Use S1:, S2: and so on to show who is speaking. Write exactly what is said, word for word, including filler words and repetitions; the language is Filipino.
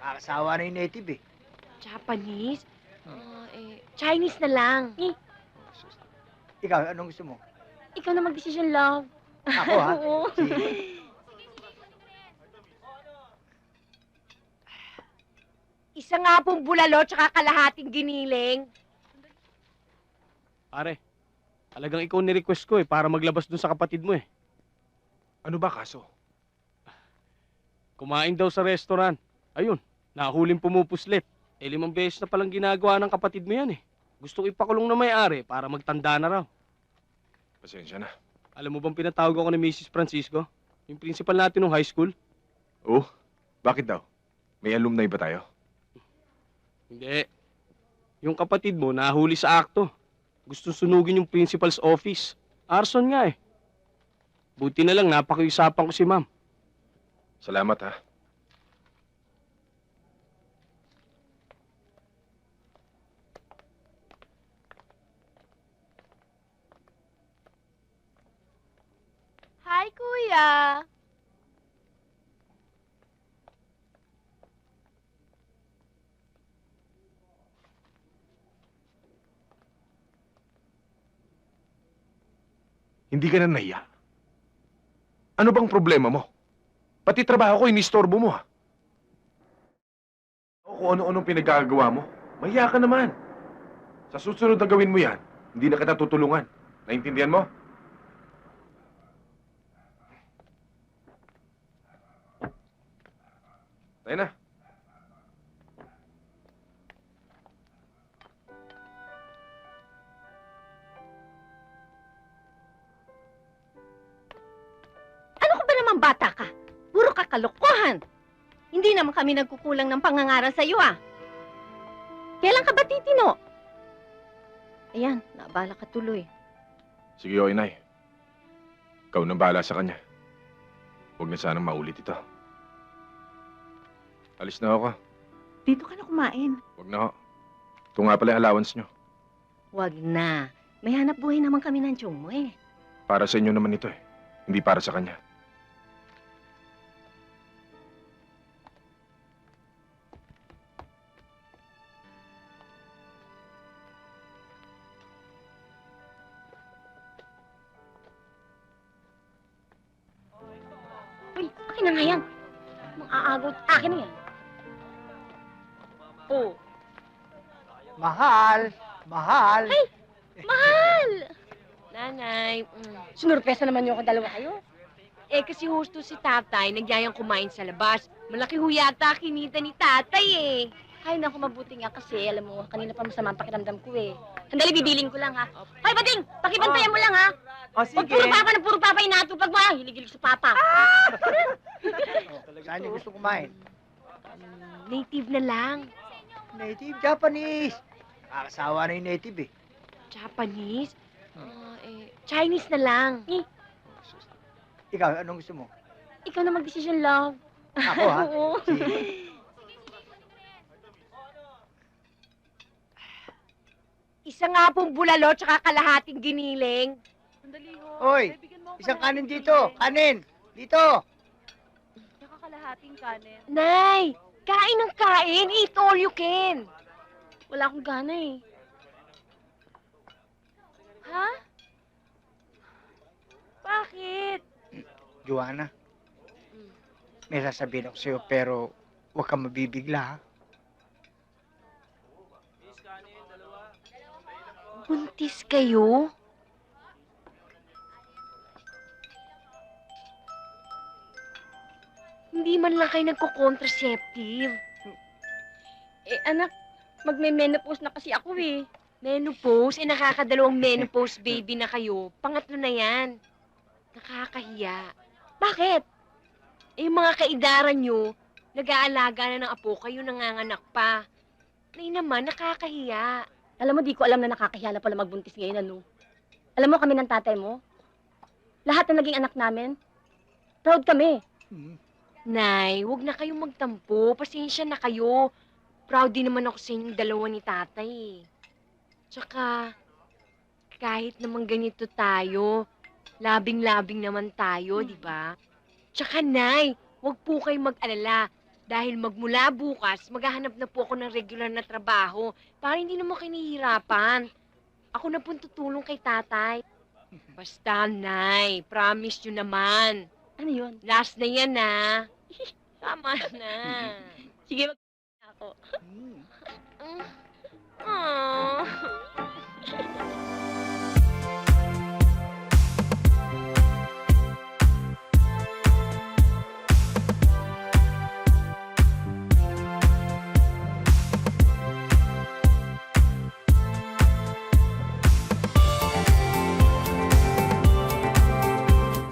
S1: Nakakasawa na yung native eh.
S2: Japanese?
S1: Hmm.
S2: Ah, eh, Chinese na lang. Eh,
S1: Ikaw, anong gusto mo?
S2: ikaw na magdesisyon, love.
S1: Ako ha?
S2: Oo.
S1: Sige.
S2: Isa nga pong bulalo tsaka kalahating giniling.
S3: Pare, talagang ikaw ni-request ko eh, para maglabas dun sa kapatid mo eh.
S4: Ano ba kaso?
S3: Kumain daw sa restaurant. Ayun, nahuling pumupuslit. Eh, limang beses na palang ginagawa ng kapatid mo yan eh. Gusto ko ipakulong na may-ari para magtanda na raw.
S4: Pasensya na.
S3: Alam mo bang pinatawag ako ni Missus Francisco? Yung principal natin ng high school?
S4: Oh, bakit daw? May alumni ba tayo?
S3: Hindi. Yung kapatid mo nahuli sa akto. Gusto sunugin yung principal's office. Arson nga eh. Buti na lang napakiusapan ko si ma'am.
S4: Salamat ha.
S2: Hi, kuya.
S4: Hindi ka na nahiya. Ano bang problema mo? Pati trabaho ko, inistorbo mo ha. O kung ano-anong pinagkagawa mo, mahiya ka naman. Sa susunod na gawin mo yan, hindi na kita tutulungan. Naintindihan mo? Tayo na.
S2: Ano ka ba naman bata ka? Puro kakalokohan. Hindi naman kami nagkukulang ng pangangaral sa'yo, ah. Kailan ka ba titino? Ayan, naabala ka tuloy.
S4: Sige, o inay. Ikaw nang bahala sa kanya. Huwag na sanang maulit ito. Alis na ako.
S5: Dito ka na kumain.
S4: Huwag na ako. Ito nga pala yung allowance nyo.
S2: Wag na. May hanap buhay naman kami ng tiyong mo, eh.
S4: Para sa inyo naman ito eh. Hindi para sa kanya.
S2: Uy, akin na nga yan. Mang aagot, akin na yan. Oh,
S1: Mahal! Mahal!
S2: Ay! mahal! Nanay, mm, sinurpresa naman niyo ako dalawa kayo. Eh, kasi husto si tatay, nagyayang kumain sa labas. Malaki ho yata kinita ni tatay eh. Ay, naku, mabuti nga kasi, alam mo, kanina pa masama ang pakiramdam ko eh. Sandali, bibiling ko lang ha. Hoy, Bading! Pakibantayan mo lang ha.
S1: O
S2: Huwag puro papa na puro papa inatupag mo ha. Hilig-hilig sa papa.
S1: Saan yung gusto kumain?
S2: Mm, native na lang.
S1: Native Japanese. Nakakasawa na yung native eh.
S2: Japanese? Ah, eh, Chinese na lang. Eh,
S1: Ikaw, anong gusto mo?
S2: ikaw na magdesisyon, love.
S1: Ako ha?
S2: Oo.
S1: Sige.
S2: Isa nga pong bulalo tsaka kalahating giniling.
S5: Sandali ho.
S1: Hoy,
S5: Bibigyan mo ako
S1: isang
S5: ng
S1: kanin
S5: konti.
S1: dito. Kanin! Dito!
S5: Tsaka kalahating kanin.
S2: Nay, kain ng kain. Eat all you can. Wala akong gana eh. Ha? Bakit?
S1: Joanna, may sasabihin ako sa'yo pero huwag kang mabibigla ha.
S2: Buntis kayo? Hindi man lang kayo nagko-contraceptive.
S5: Eh, anak, magme-menopause na kasi ako eh.
S2: Menopause? Eh, nakakadalawang menopause baby na kayo. Pangatlo na yan. Nakakahiya. Bakit? Eh, yung mga kaidaran nyo, nag-aalaga na ng apo, kayo nanganganak pa. Nay naman, nakakahiya.
S5: Alam mo, di ko alam na nakakahiya na pala magbuntis ngayon, ano? Alam mo kami ng tatay mo? Lahat na naging anak namin, proud kami.
S1: Hmm.
S2: Nay, wag na kayong magtampo. Pasensya na kayo. Proud din naman ako sa inyong dalawa ni tatay. eh. Tsaka, kahit naman ganito tayo, labing-labing naman tayo, di ba? Tsaka, Nay, wag po kayong mag-alala. Dahil magmula bukas, maghahanap na po ako ng regular na trabaho para hindi naman kinihirapan. Ako na po tutulong kay tatay. Basta, Nay, promise nyo naman.
S5: Ano yun?
S2: Last na yan, na. Tama na.
S5: Sige, mag ako.
S2: Mm. Aww.